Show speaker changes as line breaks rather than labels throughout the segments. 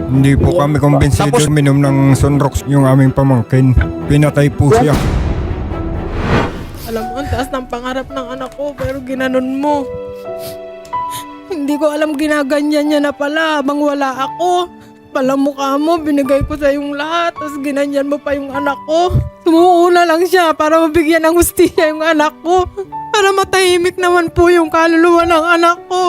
Hindi po kami kumbinsido.
Tapos-
Minom ng Sunrox yung aming pamangkin. Pinatay po siya.
Alam mo, ang taas ng pangarap ng anak ko, pero ginanon mo. Hindi ko alam ginaganyan niya na pala habang wala ako. Pala mukha mo, binigay ko sa yung lahat, tapos ginanyan mo pa yung anak ko. Sumuuna lang siya para mabigyan ng hustisya yung anak ko. Para matahimik naman po yung kaluluwa ng anak ko.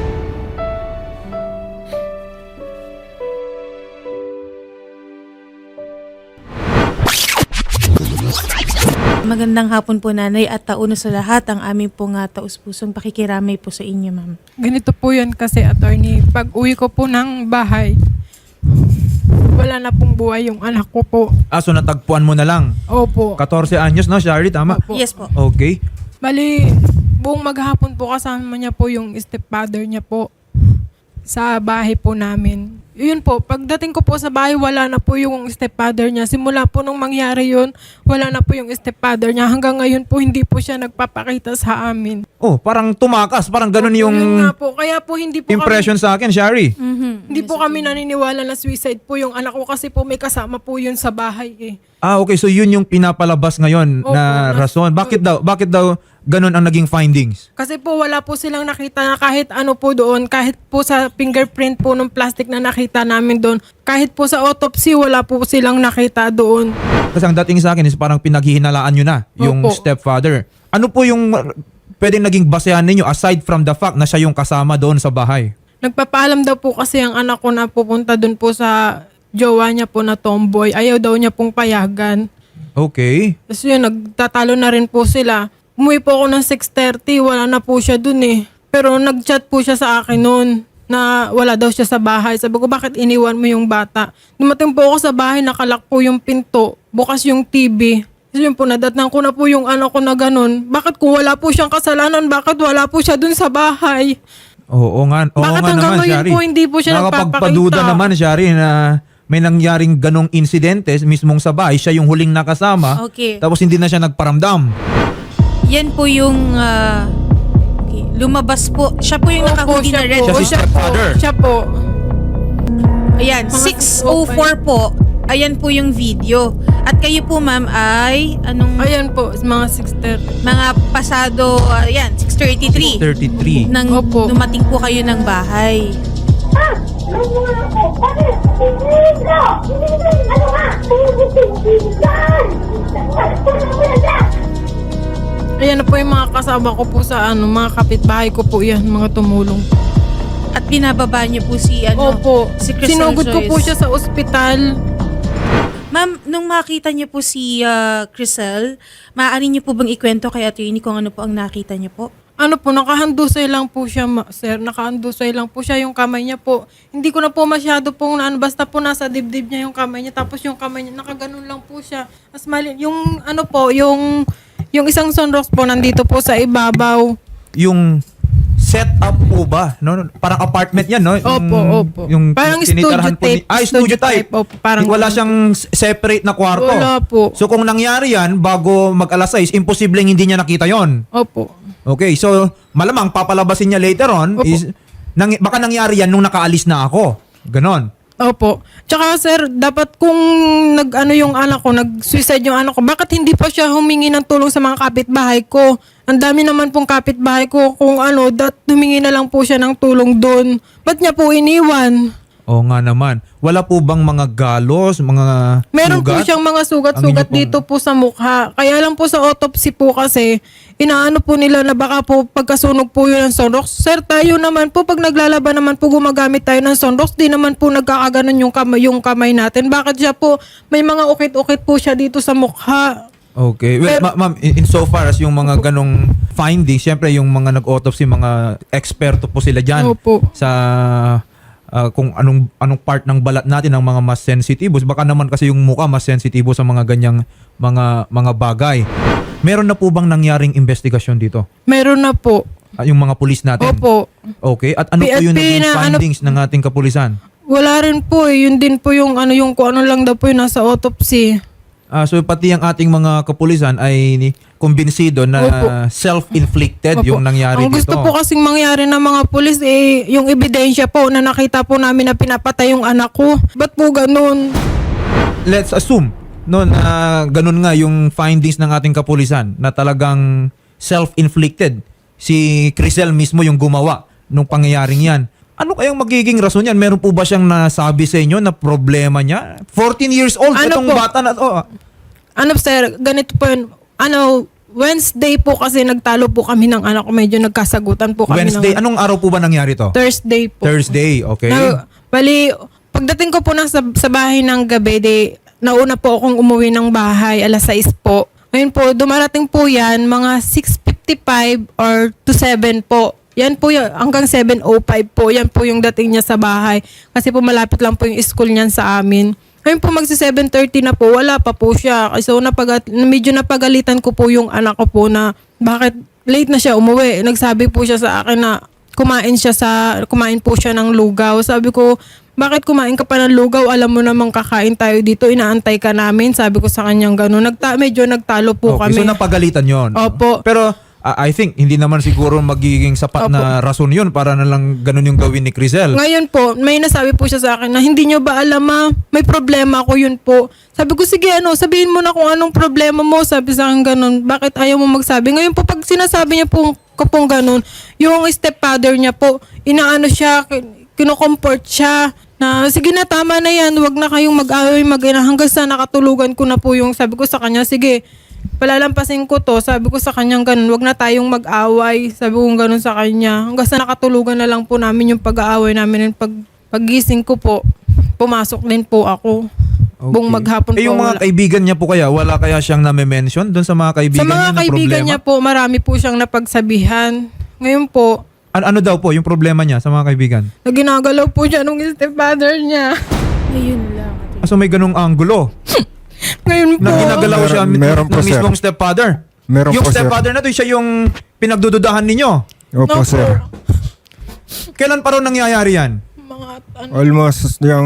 Magandang hapon po nanay at tauna sa lahat ang aming pong taus-pusong pakikiramay po sa inyo ma'am.
Ganito po yan kasi, attorney. Pag uwi ko po ng bahay, wala na pong buhay yung anak ko po.
So natagpuan mo na lang.
Opo.
14 anyos, no, Shari? Tama?
Opo.
Yes po.
Okay.
Bali, buong maghapon po kasama niya po yung stepfather niya po sa bahay po namin. Yun po, pagdating ko po sa bahay, wala na po yung stepfather niya. Simula po nung mangyari yun, wala na po yung stepfather niya. Hanggang ngayon po, hindi po siya nagpapakita sa amin.
Oh, parang tumakas. Parang ganun yung
Yun nga po, kaya po hindi po
impression sa akin, Shari.
hindi po kami naniniwala na suicide po yung anak ko kasi po may kasama po yun sa bahay eh.
Okay. So yun yung pinapalabas ngayon
Opo,
na rason. Bakit daw ganun ang naging findings?
Kasi po wala po silang nakita na kahit ano po doon, kahit po sa fingerprint po ng plastic na nakita namin doon, kahit po sa autopsy wala po silang nakita doon.
Kasi ang dating sa akin is parang pinaghihinalaan nyo na yung
Opo.
stepfather. Ano po yung pwedeng naging basehan ninyo aside from the fact na siya yung kasama doon sa bahay?
Nagpapaalam daw po kasi ang anak ko na pupunta doon po sa jowa niya po na tomboy. Ayaw daw niya pong payagan.
Okay.
Tapos yun, nagtatalo na rin po sila. Umuwi po ako ng 6:30, wala na po siya doon eh. Pero nag-chat po siya sa akin noon na wala daw siya sa bahay. Sabi ko, bakit iniwan mo yung bata? Dumating po ako sa bahay, nakalak po yung pinto, bukas yung TV. Tapos yun po, nadatnang ko na po yung anak ko na ganun. Bakit kung wala po siyang kasalanan, bakit wala po siya doon sa bahay?
Oo nga. Oo
Bakit
nga
hanggang
naman,
ngayon
Shari.
po hindi po siya
Nakapagpaduda
nagpapakita?
naman, Shari, na may nangyaring ganong insidente mismong sa bahay. Siya yung huling nakasama.
Okay.
Tapos hindi na siya nagparamdam.
Yan po yung okay, lumabas po. Siya po yung nakahuli na red.
Siya si stepfather.
Siya po.
Ayan,
Mga
6:04 po. Ayan po yung video. At kayo po ma'am ay anong
Ayan po, mga 6:30.
mga pasado, ayan, 6:33.
33.
Nang
Opo.
dumating po kayo ng bahay.
Ayan na po yung mga kasama ko po sa mga kapitbahay ko po yan, mga tumulong.
At binababa niyo po si
Opo,
si Crystal
sinugod ko po
Joyce.
siya sa ospital.
Ma'am, nung makita niyo po si Crystal, maaari niyo po bang ikwento kay attorney kung ano po ang nakita niyo po?
Ano po, nakahandusay lang po siya, sir. Nakahandusay lang po siya, yung kamay niya po. Hindi ko na po masyado pong basta po nasa dibdib niya yung kamay niya. Tapos yung kamay niya, nakaganon lang po siya. As mali, yung ano po, yung isang sunrox po nandito po sa ibabaw.
Yung setup po ba? No? Parang apartment yan, no?
Opo.
Yung
Parang
tinitirahan
studio type.
studio type.
Opo, parang
Wala siyang separate na kwarto.
Wala po.
So kung nangyari yan, bago mag-alas 6, imposibleng hindi niya nakita yon.
Opo.
Okay, so malamang papalabasin niya later on
Opo.
is baka nangyari yan nung nakaalis na ako. Ganon.
Opo. Tsaka sir, dapat kung yung anak ko, nag-suicide yung anak ko, bakit hindi pa siya humingi ng tulong sa mga kapitbahay ko? Ang dami naman pong kapitbahay ko kung humingi na lang po siya ng tulong doon. Ba't niya po iniwan?
Oo nga naman. Wala po bang mga galos, mga
Meron po
sugat?
siyang mga
Ang
sugat-sugat
inyo pong-
dito po sa mukha. Kaya lang po sa autopsy po kasi, inaano po nila na baka po pagkasunog po yun ng Sunrox. Sir, tayo naman po, pag naglalaban naman po gumagamit tayo ng Sunrox, di naman po nagkakaganon yung kamay natin. Bakit siya po, may mga ukit-ukit po siya dito sa mukha.
Okay. Well, ma'am, in so far as yung mga ganong findings, syempre yung mga nag-autopsy, mga eksperto po sila dyan
Opo.
sa kung anong part ng balat natin ang mga mas sensitibos. Baka naman kasi yung mukha mas sensitibo sa mga ganyang mga bagay. Meron na po bang nangyaring investigasyon dito?
Meron na po.
Yung mga pulis natin?
Opo.
Okay. At ano po yung
PNP
naging
na
findings ng ating kapulisan?
Wala rin po eh. Yun din po yung kung ano lang daw po yung nasa autopsy.
So pati ang ating mga kapulisan ay kumbinsido na
Opo.
self-inflicted
Opo.
yung nangyari
Ang gusto
dito.
po kasing mangyari ng mga pulis yung ebidensya po na nakita po namin na pinapatay yung anak ko. Ba't po ganun?
Let's assume no na ganun nga yung findings ng ating kapulisan na talagang self-inflicted. Si Crisel mismo yung gumawa nung pangyayaring yan. Ano kayang magiging rason yan? Meron po ba siyang nasabi sa inyo na problema niya? 14 years old
Ano
itong
po?
bata na to.
Ano sir, ganito po yun. Wednesday po kasi nagtalo po kami ng anak ko. Medyo nagkasagutan po kami
Wednesday,
ng
anong araw po ba nangyari to?
Thursday po.
Thursday, okay.
Bali, pagdating ko po sa bahay ng gabi, nauna po akong umuwi ng bahay, alas 6 po. Ngayon po, dumarating po yan, mga 6:55 or to 7 po. Yan po yun, hanggang 7:05 po. Yan po yung dating niya sa bahay. Kasi po malapit lang po yung school niyan sa amin. Ngayon po magsi 7:30 na po, wala pa po siya. So medyo napagalitan ko po yung anak ko po na bakit late na siya umuwi. Nagsabi po siya sa akin na kumain po siya ng lugaw. Sabi ko, bakit kumain ka pa ng lugaw? Alam mo namang kakain tayo dito, inaantay ka namin. Sabi ko sa kanyang gano'n. Medyo nagtalo po
Okay,
kami.
so napagalitan yon.
Opo.
Pero I think hindi naman siguro magiging sapat na rason yun para na lang ganun yung gawin ni Crisel.
Ngayon po, may nasabi po siya sa akin na hindi nyo ba alam may problema ako yun po. Sabi ko, sige sabihin mo na kung anong problema mo. Sabi sa akin ganun, bakit ayaw mo magsabi? Ngayon po, pag sinasabi niya po kapong ganun, yung stepfather niya po, inaano siya, kinocomport siya, na sige na, tama na yan, wag na kayong mag-away, hanggang sa nakatulugan ko na po yung sabi ko sa kanya, sige, palalampasin ko to, sabi ko sa kanya ganun, wag na tayong mag-away, sabi ko ganun sa kanya. Hanggang sa nakatulugan na lang po namin yung pag-aaway namin. Paggising ko po, pumasok din po ako. Buong maghapon po.
Yung mga kaibigan niya po kaya, wala kaya siyang name-mention doon sa mga kaibigan
Sa mga
niya na
kaibigan
problema?
niya po, marami po siyang napagsabihan. Ngayon po,
Ano daw po yung problema niya sa mga kaibigan?
na ginagalaw po siya nung stepfather niya.
Ayun lang.
So may ganung angulo
Ngayon po,
na ginagalaw siya
Meron po,
ng
sir.
mismong stepfather.
Meron
Yung
po, sir.
stepfather na to, siya yung pinagdududahan ninyo.
Opo,
No,
sir.
Kailan pa raw nangyayari yan?
mga
Almost yung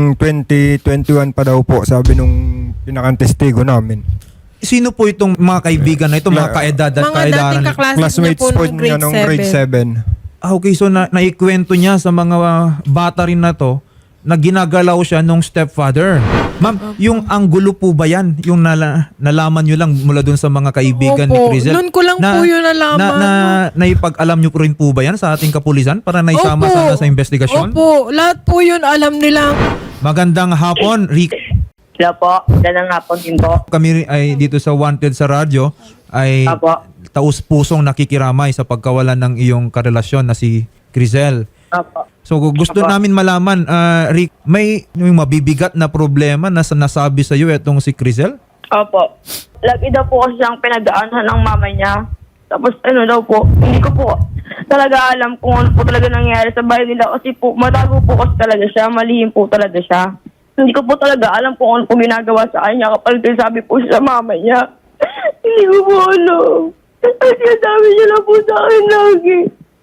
2021 pa daw po, sabi nung pinakantestigo namin.
Sino po itong mga kaibigan na ito, mga kaedad at
mga
kaedaran?
dating kaklase niya
Classmates
po
po
nung
niya nung grade 7.
Okay, so naikwento niya sa mga bata rin na to na ginagalaw siya nung stepfather. Ma'am, yung anggulo po ba yan? Yung nalaman nyo lang mula dun sa mga kaibigan ni
Opo,
Crisel?
nun ko lang po yun nalaman.
Naipag-alam nyo po rin po ba yan sa ating kapulisan para naisama
Opo.
sana sa investigasyon?
Opo, lahat po yun alam nila.
Magandang hapon, Rick.
Hello po, ganang hapon din po.
Kami ay dito sa Wanted sa radyo ay
Apo.
taus-pusong nakikiramay sa pagkawalan ng iyong karelasyon na si Crisel.
Opo.
So gusto
Apo.
namin malaman, Rick, may mabibigat na problema na nasabi sa iyo itong si Crisel?
Opo. Lagi daw po kasi siyang pinagdaanan ng mama niya. Tapos daw po, hindi ko po talaga alam kung ano po talaga nangyari sa bahay nila kasi po matago po kasi talaga siya, malihim po talaga siya. Hindi ko po talaga alam kung ano po ginagawa sa kanya kapag sabi po siya sa mama niya. Hindi ko po alam. Kasi sabi niya lang po sa akin lagi.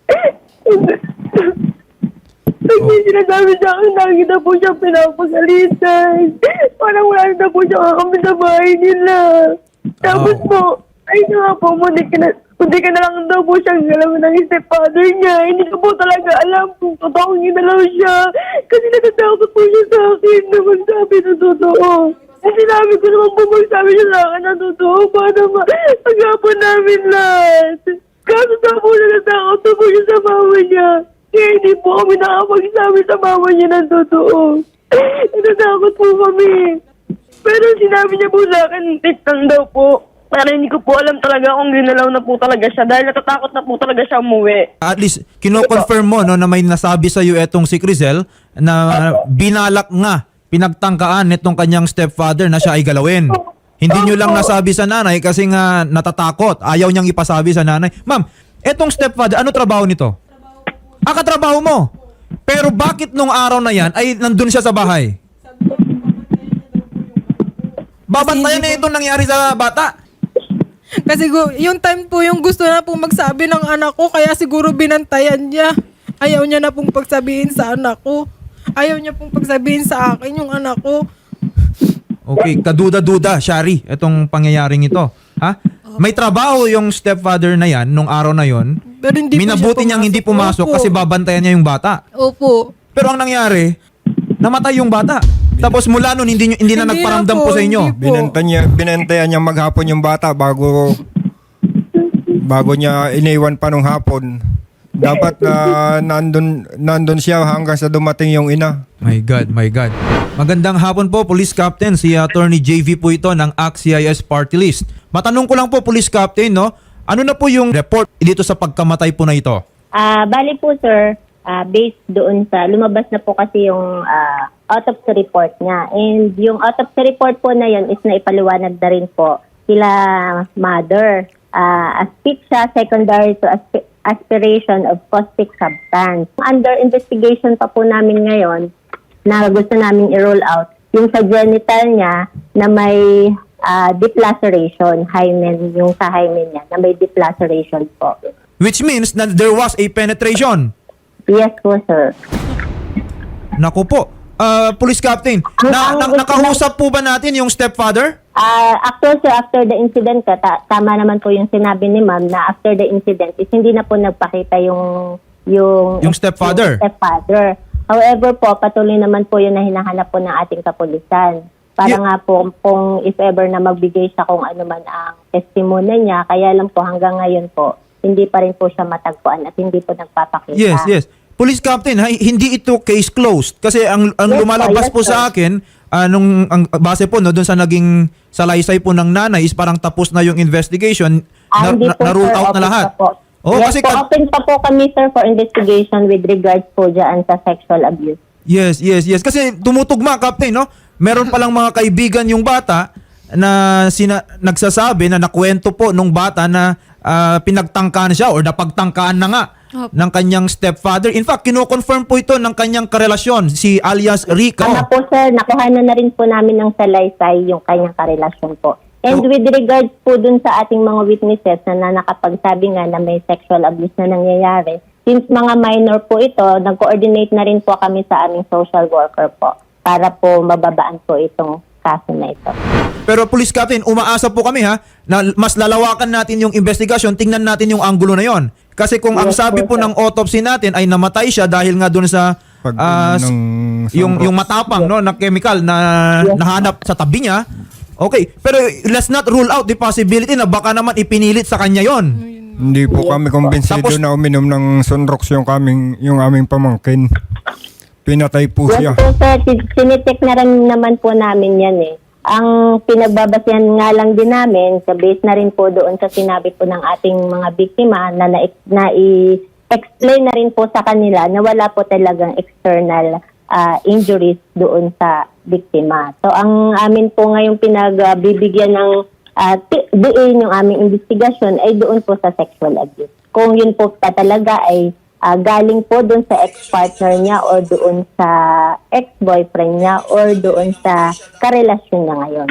Pag sinasabi sa akin, lagi na po siya pinapagalitan. Parang wala na po siya kakamit sa bahay nila. Tapos po, ay nga po, hindi ka na lang daw po siyang galaw ng stepfather niya. Hindi ko po talaga alam kung totoong ginalaw siya. Kasi natatakot po siya sa akin na magsabi na totoo. Kasi sinabi ko naman po magsabi siya sa akin na totoo para mag-apon namin lahat. Kaso daw po natatakot na po siya sa mama niya. Kaya hindi po kami nakapagsabi sa mama niya ng totoo. Natatakot po kami. Pero sinabi niya po sa akin, tikang daw po. Pero hindi ko po alam talaga kung ginalaw na po talaga siya dahil natatakot na po talaga siya umuwi.
At least kino-confirm mo no na may nasabi sa iyo itong si Crisel na binalak nga, pinagtangkaan nitong kanyang stepfather na siya ay galawin. Hindi nyo lang nasabi sa nanay kasi nga natatakot. Ayaw niyang ipasabi sa nanay. Ma'am, etong stepfather, ano trabaho nito? Katrabaho mo. Pero bakit nung araw na yan ay nandun siya sa bahay? Babantayan na itong nangyari sa bata.
Kasi yung time po yung gusto na pong magsabi ng anak ko, kaya siguro binantayan niya. Ayaw niya na pong pagsabihin sa anak ko. Ayaw niya pong pagsabihin sa akin yung anak ko.
Okay, kaduda-duda, Shari, itong pangyayaring ito. Ha? May trabaho yung stepfather na yan nung araw na yon.
Pero hindi po
Minabuti
siya
niyang hindi pumasok
Opo.
kasi babantayan niya yung bata.
Opo.
Pero ang nangyari, namatay yung bata. Tapos mula nun, hindi na
Hindi
nagparamdam
na
po
po,
sa inyo.
hindi po.
Binantayan niya maghapon yung bata bago niya iniwan pa nung hapon. Dapat nandun siya hanggang sa dumating yung ina.
My God, my God. Magandang hapon po, Police Captain. Si Attorney JV po ito ng ACT-CIS Party List. Matanong ko lang po, Police Captain, no? Ano na po yung report dito sa pagkamatay po na ito?
Bali po sir, based doon sa, lumabas na po kasi yung autopsy report niya. And yung autopsy report po na yun is naipaliwanag na rin po sila mother. Asphyxia secondary to aspiration of caustic substance. Under investigation pa po namin ngayon na gusto namin i-roll out yung sa genital niya na may deep laceration, hymen, yung sa hymen niya na may deep laceration po.
Which means na there was a penetration.
Yes po, sir.
Naku po. Police Captain, nakausap po ba natin yung stepfather?
After the incident, tama naman po yung sinabi ni ma'am na after the incident is hindi na po nagpakita yung
stepfather.
Stepfather. However po, patuloy naman po yun na hinahanap po ng ating kapulisan. Para nga po, kung if ever na magbigay siya kung ano man ang testimony niya, kaya lang po hanggang ngayon po, hindi pa rin po siya matagpuan at hindi po nagpapakita.
Yes. Police Captain, hindi ito case closed. Kasi ang
Yes,
lumalabas po
sir.
sa akin, ang base po no, doon sa naging salaysay po ng nanay is parang tapos na yung investigation,
Hindi po,
na-rule
sir.
out na
Open
lahat.
pa po.
Oh,
Yes
kasi
po, open pa po kami, sir, for investigation with regards po dyan sa sexual abuse.
Yes. Kasi tumutugma, Captain, no? Meron palang mga kaibigan yung bata na nagsasabi na nakwento po nung bata na pinagtangkaan siya or napagtangkaan na nga ng kanyang stepfather. In fact, kino-confirm po ito ng kanyang karelasyon, si alias Rico.
Tama po, sir. Nakuha na rin po namin ng salaysay yung kanyang karelasyon po. And with regards po dun sa ating mga witnesses na nakapagsabi nga na may sexual abuse na nangyayari, since mga minor po ito, nag-coordinate na rin po kami sa aming social worker po para po mababaan po itong kaso na ito.
Pero Police Captain, umaasa po kami na mas lalawakan natin yung investigasyon, tingnan natin yung anggulo na yon. Kasi kung ang
Yes,
sabi po
sir.
ng autopsy natin ay namatay siya dahil nga doon sa yung matapang no na chemical na nahanap sa tabi niya. Okay, pero let's not rule out the possibility na baka naman ipinilit sa kanya yon.
Hindi po kami kumbinsido
Tapos-
na uminom ng Sunrox yung aming pamangkin. Pinatay po siya.
Yes po, sir. Sinitik na rin naman po namin yan eh. Ang pinagbabasihan nga lang din namin, sa base na rin po doon sa sinabi po ng ating mga biktima na i-explain na rin po sa kanila na wala po talagang external injuries doon sa biktima. So ang amin po ngayong pinagbibigyan ng diin yung aming investigasyon ay doon po sa sexual abuse. Kung yun po talaga ay galing po doon sa ex-partner niya or doon sa ex-boyfriend niya or doon sa karelasyon niya ngayon.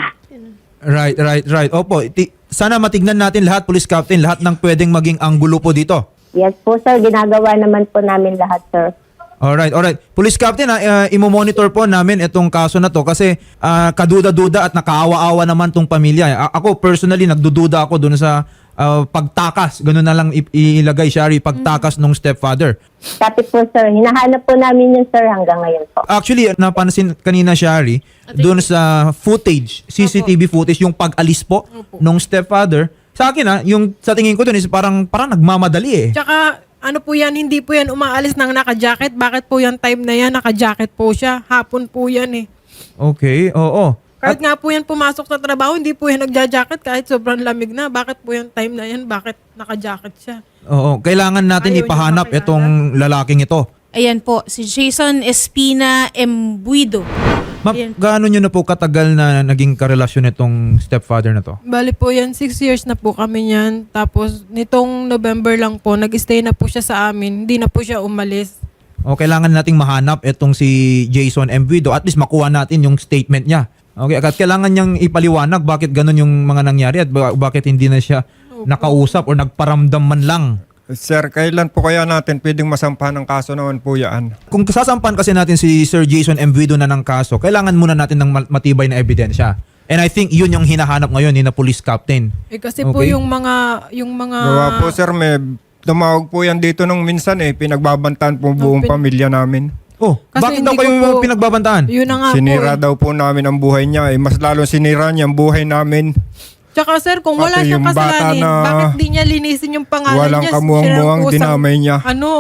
Right. Opo, sana matignan natin lahat, Police Captain, lahat ng pwedeng maging anggulo po dito.
Yes po, sir. Ginagawa naman po namin lahat, sir.
Alright. Police Captain, imo-monitor po namin itong kaso na to kasi kaduda-duda at nakaawa-awa naman tong pamilya. Ako personally, nagdududa ako dun sa pagtakas. Ganun na lang ilagay, Shari, pagtakas ng stepfather.
Kapit po, sir. Hinahanap po namin yun, sir, hanggang ngayon po.
Actually, napansin kanina, Shari, dun sa footage, CCTV footage, yung pag-alis po ng stepfather, sa akin yung sa tingin ko dun is parang nagmamadali eh.
Tsaka, ano po yan, hindi po yan umaalis ng naka-jacket. Bakit po yan time na yan, naka-jacket po siya. Hapon po yan eh.
Okay, oo.
Kahit nga po yan pumasok sa trabaho, hindi po yan nagja-jacket kahit sobrang lamig na. Bakit po yan time na yan, bakit naka-jacket siya?
Oo, kailangan natin
Ayaw niyo
ipahanap
makilala.
itong lalaking ito.
Ayan po, si Jason Espina Embuido.
Ma'am,
Ayan.
gaano nyo na po katagal na naging karelasyon itong stepfather na to?
Bali po yan, 6 years na po kami yan. Tapos nitong November lang po, nag-stay na po siya sa amin. Hindi na po siya umalis.
O kailangan nating mahanap itong si Jason Embuido, at least makuha natin yung statement niya. Okay, at kailangan niyang ipaliwanag bakit ganun yung mga nangyari at bakit hindi na siya nakausap o nagparamdam man lang.
Sir, kailan po kaya natin pwedeng masampahan ng kaso naman po yan?
Kung sasampan kasi natin si Sir Jason Embuido na ng kaso, kailangan muna natin ng matibay na ebidensya. And I think yun yung hinahanap ngayon ni na police captain.
Kasi po
Okay.
yung mga
Gawa po sir, may tumawag po yan dito nung minsan pinagbabantaan po buong pamilya namin.
Oh,
Kasi
bakit daw
hindi ko
kayo
po-
pinagbabantaan?
yun na nga
Sinira
po.
daw po namin ang buhay niya. Mas lalo sinira niya ang buhay namin.
Tsaka sir, kung wala
Pati
siyang
yung bata
kasalanan,
na
bakit di niya linisin yung pangalan
walang
niya?
kamuang-muang
Siya ang
dinamay niya.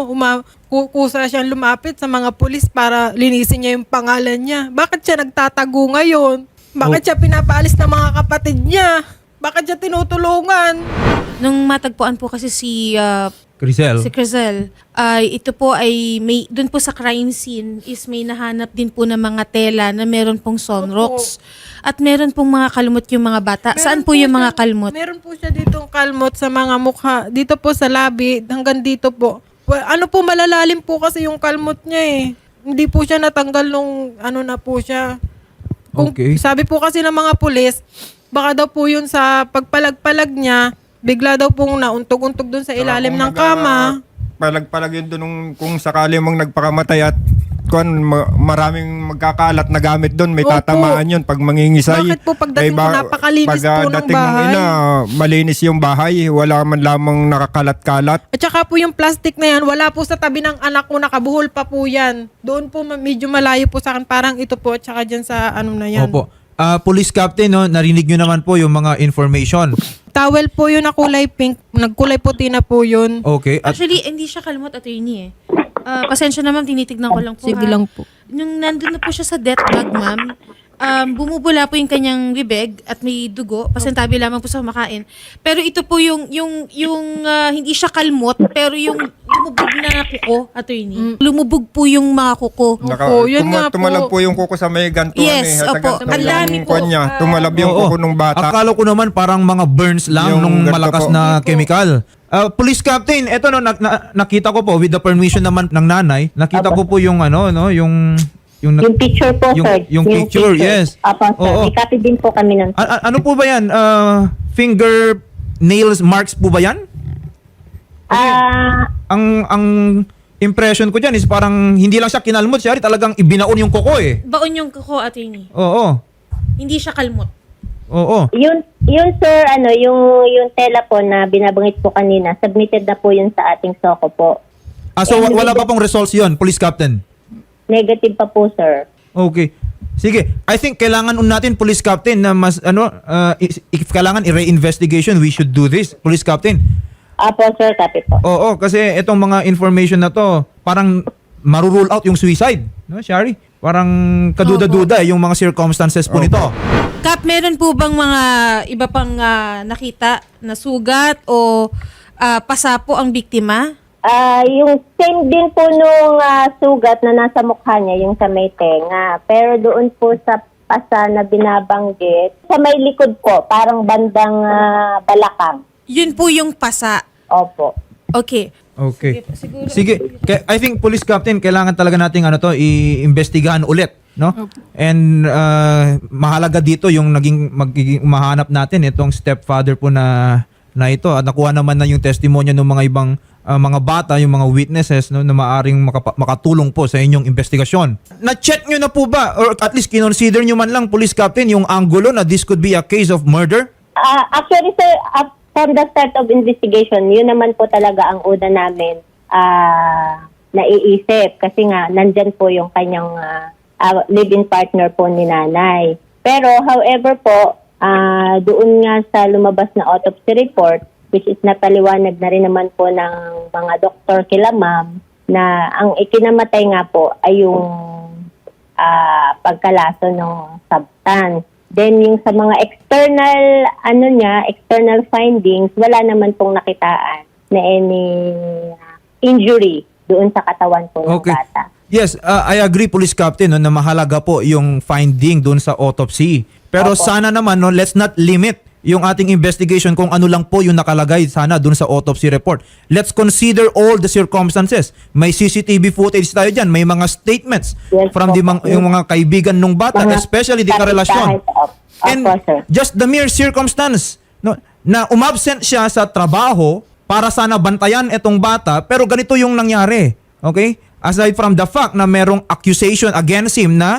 Kusa siyang lumapit sa mga pulis para linisin niya yung pangalan niya. Bakit siya nagtatago ngayon? Bakit siya pinapaalis ng mga kapatid niya? Bakit siya tinutulungan?
Nung matagpuan po kasi si
Crisel.
Crizel, ito po ay may doon po sa crime scene is may nahanap din po ng mga tela na meron pong sunrocks. At meron pong mga kalmot yung mga bata. Saan po yung mga kalmot?
Meron po siya ditong kalmot sa mga mukha. Dito po sa labi, hanggang dito po. Ano po, malalalim po kasi yung kalmot niya eh. Hindi po siya natanggal nung ano na po siya.
Okay.
Sabi po kasi ng mga pulis, baka daw po yun sa pagpalag-palag niya, bigla daw pong nauntog-untog dun sa ilalim ng kama.
Palag-palag yun doon kung sakali mong nagpakamatay at maraming magkakalat na gamit doon. May
Opo.
tatamaan yun pag mangingisay.
Bakit po pagdating ko, napakalinis po ng
pagdating
bahay?
ina, malinis yung bahay. Wala man lamang nakakalat-kalat.
At saka po yung plastic na yan, wala po sa tabi ng anak ko, nakabuhol pa po yan. Doon po medyo malayo po sa akin, parang ito po, at saka dyan sa ano na yan.
Opo. Police captain, no, narinig nyo naman po yung mga information.
Towel po yun na kulay pink, nagkulay puti na po yun.
Okay. At
Actually, hindi siya kalmot, attorney eh. Pasensya naman, tinitignan ko lang po.
Sige
ha.
lang po.
Nung nandun na po siya sa death bag, ma'am, bumubula po yung kanyang bibig at may dugo. Pasintabi lamang po sa kumakain. Pero ito po yung hindi siya kalmot, pero yung lumubog na kuko, attorney. Lumubog po yung mga kuko.
Opo, yun nga po.
Tumalab po yung kuko sa may gantuan
Yes,
sa
opo.
gantuan
Ang dami
yung
po.
kwan niya. Tumalab yung
Oo.
kuko nung bata.
Akala ko naman parang mga burns lang
Yung
nung
ganito
malakas
po.
na chemical. Police captain, eto no nakita ko po with the permission naman ng nanay, nakita ko po yung yung
Yung picture po,
Yung-
sir.
yung picture, yes.
Apo, sir.
Oo.
May copy din po kami nun.
ano po ba yan? Finger nails marks po ba yan? Ang impression ko diyan is parang hindi lang siya kinalmot, siya talagang ibinaon yung kuko eh.
Baon yung kuko, attorney.
Oo.
Hindi siya kalmot.
Oo.
Yun sir, yung tela po na binabanggit po kanina, submitted na po yun sa ating SOCO po.
So wala pa pong results 'yon, police captain.
Negative pa po, sir.
Okay. Sige, I think kailangan natin police captain na mas if kailangan i-reinvestigation, we should do this, police captain.
Apo, sir, copy po.
Oo, kasi itong mga information na to, parang marurule out yung suicide, no, Shari? Parang kaduda-duda yung mga circumstances po nito.
Kap, meron po bang mga iba pang nakita na sugat o pasa po ang biktima?
Yung same din po nung sugat na nasa mukha niya, yung sa may tenga. Pero doon po sa pasa na binabanggit, sa may likod po, parang bandang balakang.
Yun po yung pasa.
Opo.
Okay.
Okay.
Siguro.
Sige, I think police captain kailangan talaga nating iimbestigahan ulit, no? And mahalaga dito yung magiging mahanap natin itong stepfather po na ito at nakuha naman na yung testimonya ng mga ibang mga bata, yung mga witnesses, no, na maaring makatulong po sa inyong investigasyon. Na-check nyo na po ba or at least kinonsider nyo man lang, police captain, yung angulo na this could be a case of murder?
Actually, sir, from the start of investigation, yun naman po talaga ang una namin naiisip. Kasi nga, nandyan po yung kanyang live-in partner po ni nanay. Pero, however po, doon nga sa lumabas na autopsy report, which is napaliwanag na rin naman po ng mga doktor kila ma'am, na ang ikinamatay nga po ay yung pagkalaso ng substance. Then yung sa mga external findings, wala naman pong nakitaan na any injury doon sa katawan po ng
Okay.
bata.
Yes, I agree, police captain, no, na mahalaga po yung finding doon sa autopsy. Pero sana naman, no, let's not limit yung ating investigation kung ano lang po yung nakalagay sana doon sa autopsy report. Let's consider all the circumstances. May CCTV footage tayo dyan. May mga statements
Yes,
from yung mga kaibigan ng bata, especially di karelasyon. And
sir.
just the mere circumstance, no, na umabsent siya sa trabaho para sana bantayan itong bata, pero ganito yung nangyari. Okay? Aside from the fact na merong accusation against him na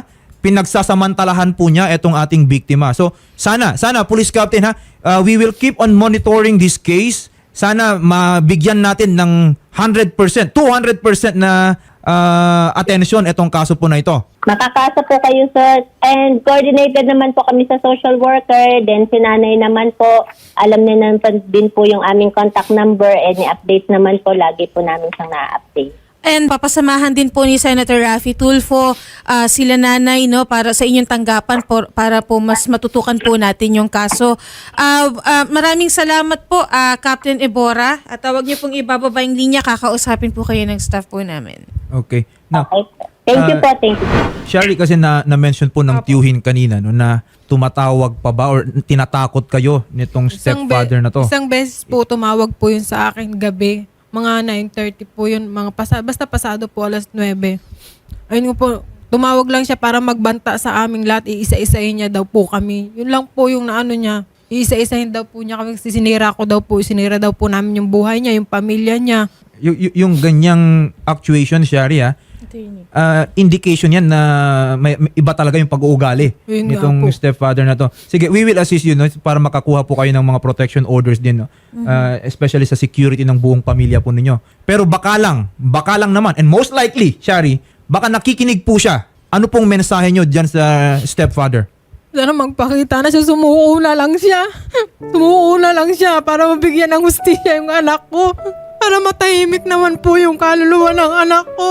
pinagsasamantalahan po niya itong ating biktima. So sana Police Captain ha, we will keep on monitoring this case. Sana mabigyan natin ng 100%, 200% na attention itong kaso po na ito.
Makakasa po kayo, sir. And coordinated naman po kami sa social worker. Then si nanay naman po, alam niya naman din po yung aming contact number. Any updates naman po, lagi po namin siyang na-update.
And papasamahan din po ni Senator Raffy Tulfo sila nanay, no, para sa inyong tanggapan para po mas matutukan po natin yung kaso. Maraming salamat po, Captain Ebora. At tawag niyo pong ibababa yung linya, kakausapin po kayo ng staff po namin.
Okay. Now,
Okay. Thank you po, thank you.
Shari, kasi na-mention po ng tiyuhin kanina no, na tumatawag pa ba or tinatakot kayo nitong stepfather na to?
Isang beses po tumawag po yun sa akin gabi. Mga 9:30 po yun. Basta pasado po 9:00. Ayun po, tumawag lang siya para magbanta sa aming lahat. Iisa-isahin niya daw po kami. Yun lang po yung naano niya. Iisa-isahin daw po niya kami. Sinira ko daw po. Sinira daw po namin yung buhay niya, yung pamilya niya.
Yung ganyang actuation, Shari, indication yan na may iba talaga yung pag-uugali
Yun nga
nitong
po.
stepfather na to. Sige, we will assist you no, para makakuha po kayo ng mga protection orders din, no? Especially sa security ng buong pamilya po ninyo. Pero baka lang naman, and most likely, Shari, baka nakikinig po siya. Ano pong mensahe nyo dyan sa stepfather?
Sana magpakita na siya, sumuko na lang siya. Sumuko na lang siya para mabigyan ng hustisya yung anak ko. Para matahimik naman po yung kaluluwa ng anak ko.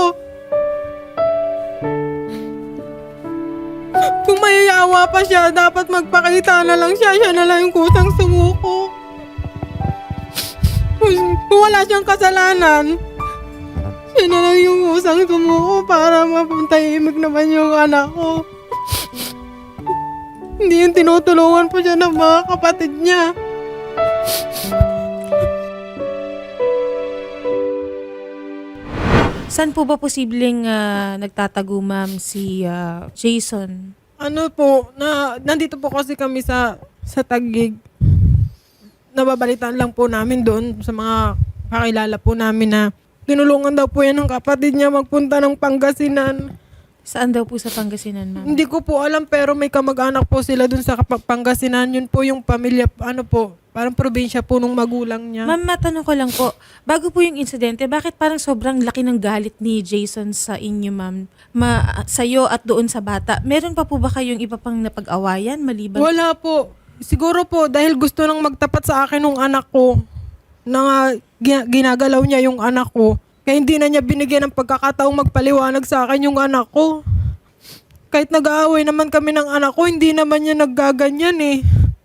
Kung mayayawa pa siya, dapat magpakita na lang siya. Siya na lang yung kusang sumuko. Kung wala siyang kasalanan, siya na lang yung kusang sumuko para mapatahimik naman yung anak ko. Hindi yung tinutulungan po siya ng mga kapatid niya.
Saan po ba posibleng nagtatago, ma'am, si Jason?
Ano po, nandito po kasi kami sa Taguig. Nababalitaan lang po namin doon sa mga kakilala po namin na tinulungan daw po yan ng kapatid niya magpunta ng Pangasinan.
Saan daw po sa Pangasinan, ma'am?
Hindi ko po alam pero may kamag-anak po sila doon sa Pangasinan. Yun po yung pamilya, parang probinsya po nung magulang niya.
Ma'am, matanong ko lang po, bago po yung insidente, bakit parang sobrang laki ng galit ni Jason sa inyo, ma'am? Sa'yo at doon sa bata. Meron pa po ba kayong iba pang napag-awayan maliban?
Wala po. Siguro po dahil gusto nang magtapat sa akin ng anak ko na ginagalaw niya yung anak ko. Kaya hindi na niya binigyan ng pagkakataong magpaliwanag sa akin yung anak ko. Kahit nag-aaway naman kami ng anak ko, hindi naman niya naggaganyan eh.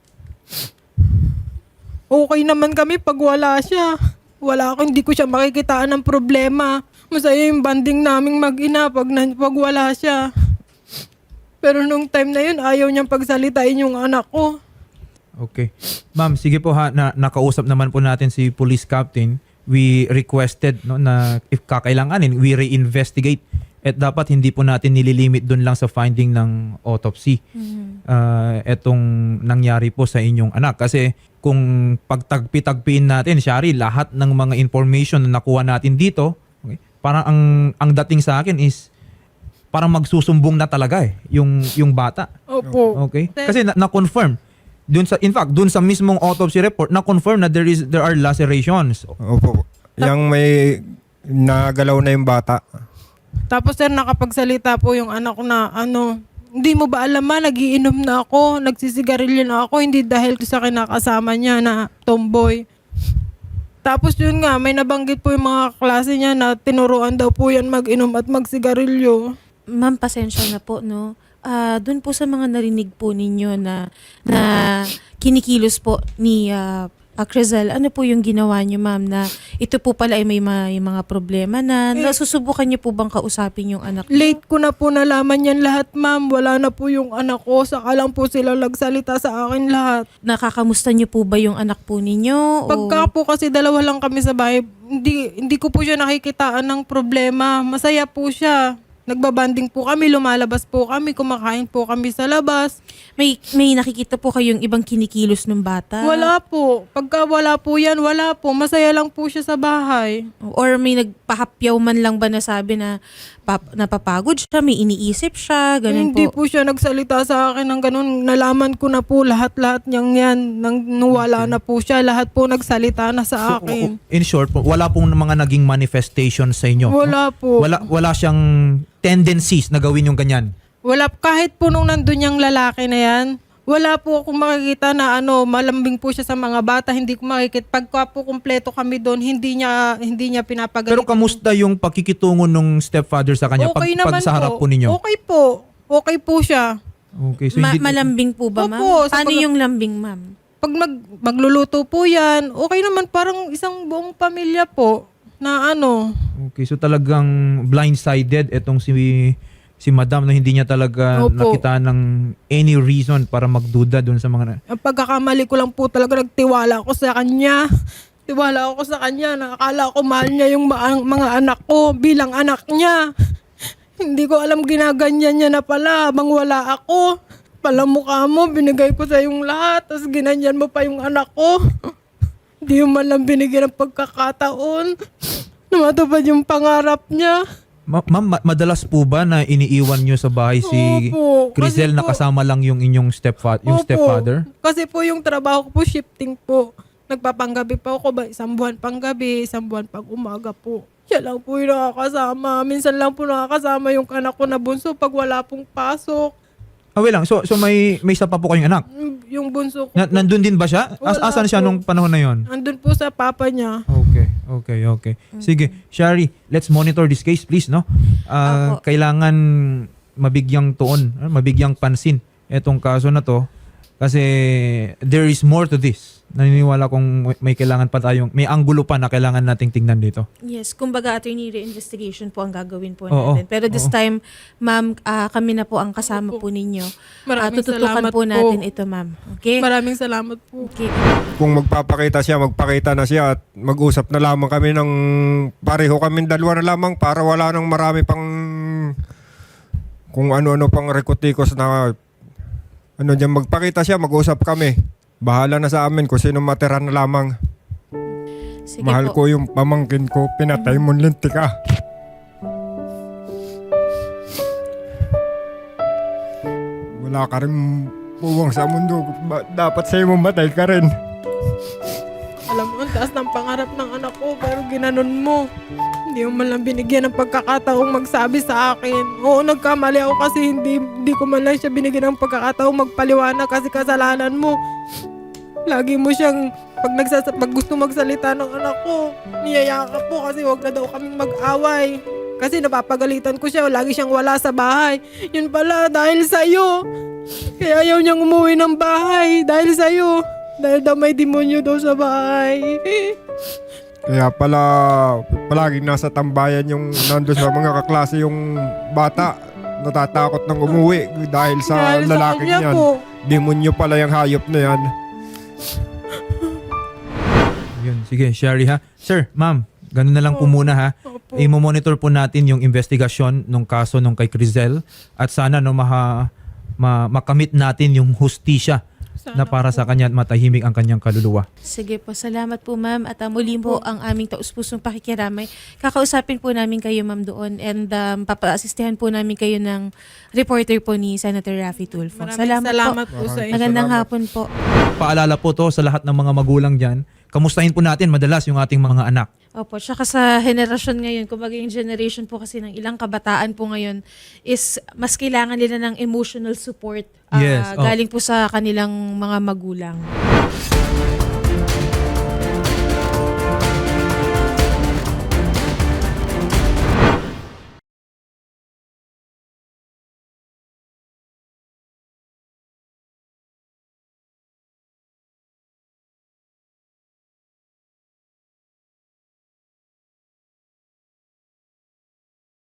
Okay naman kami pag wala siya. Hindi ko siya makikitaan ng problema. Masaya yung banding naming mag-ina pag wala siya. Pero nung time na yun, ayaw niyang pagsalitain yung anak ko.
Okay. Ma'am, sige po ha, nakausap naman po natin si police captain. We requested no, na if kakailanganin, we reinvestigate. At dapat hindi po natin nililimit dun lang sa finding ng autopsy. Etong nangyari po sa inyong anak. Kasi kung pagtagpi-tagpiin natin, Shari, lahat ng mga information na nakuha natin dito, okay, parang ang dating sa akin is parang magsusumbong na talaga yung bata.
Opo.
Okay? Kasi na-confirm. In fact, dun sa mismong autopsy report, na-confirm na there are lacerations.
Opo. Yang may nagalaw na yung bata.
Tapos sir, nakapagsalita po yung anak ko na hindi mo ba alam nagiinom na ako, nagsisigarilyo na ako, hindi dahil sa kinakasama niya na tomboy. Tapos yun nga, may nabanggit po yung mga klase niya na tinuruan daw po yan mag-inom at magsigarilyo.
Ma'am, pasensya na po, no? Doon po sa mga narinig po ninyo na kinikilos po ni Crizel, ano po yung ginawa niyo, ma'am, na ito po pala ay may mga problema na nasusubukan niyo po bang kausapin yung anak niyo?
Late ko na po nalaman yan lahat, ma'am. Wala na po yung anak ko. Saka lang po sila nagsalita sa akin lahat.
Nakakamusta niyo po ba yung anak po ninyo?
Pagka po kasi dalawa lang kami sa bahay, hindi ko po siya nakikitaan ng problema. Masaya po siya. Nagbabanding po kami, lumalabas po kami, kumakain po kami sa labas.
May nakikita po kayong ibang kinikilos ng bata?
Wala po. Pagka wala po yan, wala po. Masaya lang po siya sa bahay.
Or may nagpahapyaw man lang ba na sabi na napapagod siya, may iniisip siya, ganun
Hindi
po?
po siya nagsalita sa akin ng ganun. Nalaman ko na po lahat-lahat niyang yan. Nung wala na po siya, lahat po nagsalita na sa akin.
In short, po, wala pong mga naging manifestation sa inyo.
Wala po.
Wala siyang tendencies na gawin yung ganyan.
Wala, kahit po nung nandun yung lalaki na yan, wala po akong makikita na malambing po siya sa mga bata. Hindi ko makikita. Pagka po kumpleto kami doon, hindi niya pinapagalit.
Pero kamusta yung pakikitungo nung stepfather sa kanya
Okay
pag
naman
sa harap po
po.
ninyo?
Okay po. Okay po siya.
Okay, so hindi,
Malambing po ba, ma'am?
Opo, sa
Paano yung lambing, ma'am?
Pag magluluto po yan, okay naman, parang isang buong pamilya po na
okay, so talagang blindsided itong si madam na hindi niya talaga
Opo.
nakita ng any reason para magduda doon sa mga
Ang pagkakamali ko lang po talaga, nagtiwala ako sa kanya. Tiwala ako sa kanya. Nakakala ko mahal niya yung mga anak ko bilang anak niya. Hindi ko alam ginaganyan niya na pala habang wala ako. Pala mukha mo, binigay ko sa yung lahat. Tapos ginanyan mo pa yung anak ko. Hindi mo man lang binigyan ng pagkakataon na matupad yung pangarap niya.
Ma'am, madalas po ba na iniiwan niyo sa bahay si
Opo,
Crisel
kasi
na
po-
kasama lang yung inyong
Opo.
stepfather?
Kasi po yung trabaho ko po, shifting po. Nagpapanggabi pa ako ba? Isang buwan pang gabi, isang buwan pang umaga po. Siya lang po yung nakakasama. Minsan lang po nakakasama yung anak ko na bunso pag wala pong pasok.
Wait lang. So may isa pa po kayong anak.
Yung bunso ko.
Nandun din ba siya?
Wala
Asan siya
po.
nung panahon na yon?
Andun po sa papa niya.
Okay. Sige, Shari, let's monitor this case please, no?
Opo.
Kailangan mabigyang tuon, mabigyang pansin etong kaso na to kasi there is more to this. Naniniwala kong may kailangan pa tayong, may anggulo pa na kailangan nating tingnan dito.
Yes, kumbaga attorney reinvestigation po ang gagawin po
Oo,
natin. Pero this
oo.
time, ma'am, kami na po ang kasama po ninyo.
Maraming
Tututukan
salamat
po
po.
natin ito, ma'am. Okay?
Maraming salamat po.
Okay.
Kung magpapakita siya, magpakita na siya at mag-usap na lamang kami ng pareho kami dalawa na lamang para wala nang marami pang kung ano-ano pang rekotikos na dyan, magpakita siya, mag-usap kami. Bahala na sa amin kung sino matira na lamang.
Sige
Mahal
po.
ko yung pamangkin ko, pinatay mo lintik ah. Wala ka rin puwang sa mundo. Dapat sa'yo mamatay ka rin.
Alam mo, ang taas ng pangarap ng anak ko, pero ginanon mo. Hindi mo man lang binigyan ng pagkakataong magsabi sa akin. Oo, nagkamali ako kasi hindi ko man lang siya binigyan ng pagkakataong magpaliwanag kasi kasalanan mo. Lagi mo siyang, pag gusto magsalita ng anak ko, niyayakap po kasi wag na daw kaming mag-away. Kasi napapagalitan ko siya, lagi siyang wala sa bahay. Yun pala, dahil sa'yo. Kaya ayaw niyang umuwi ng bahay, dahil sa'yo. Dahil daw may demonyo daw sa bahay.
Kaya pala, palaging nasa tambayan yung nandun sa mga kaklase yung bata. Natatakot ng umuwi dahil sa
Dahil sa
lalaking
kanya
yan.
po.
Demonyo pala yung hayop na yan.
Yun, sige, Shari ha. Sir, ma'am, ganun na lang po muna ha.
Opo.
I-monitor po natin yung investigasyon nung kaso nung kay Crisel at sana makamit natin yung hustisya na para sa kanya at matahimik ang kanyang kaluluwa.
Sige po, salamat po ma'am at muli po ang aming taus-pusong pakikiramay. Kakausapin po namin kayo ma'am doon and papa-asistihan po namin kayo ng reporter po ni Senator Raffy Tulfo.
Maraming salamat
po.
po sa inyo.
Magandang hapon po.
Paalala po to sa lahat ng mga magulang dyan. Kamustahin po natin madalas yung ating mga anak.
Opo, tsaka sa henerasyon ngayon, kumbaga yung generation po kasi ng ilang kabataan po ngayon is mas kailangan nila ng emotional support
Yes,
galing po sa kanilang mga magulang.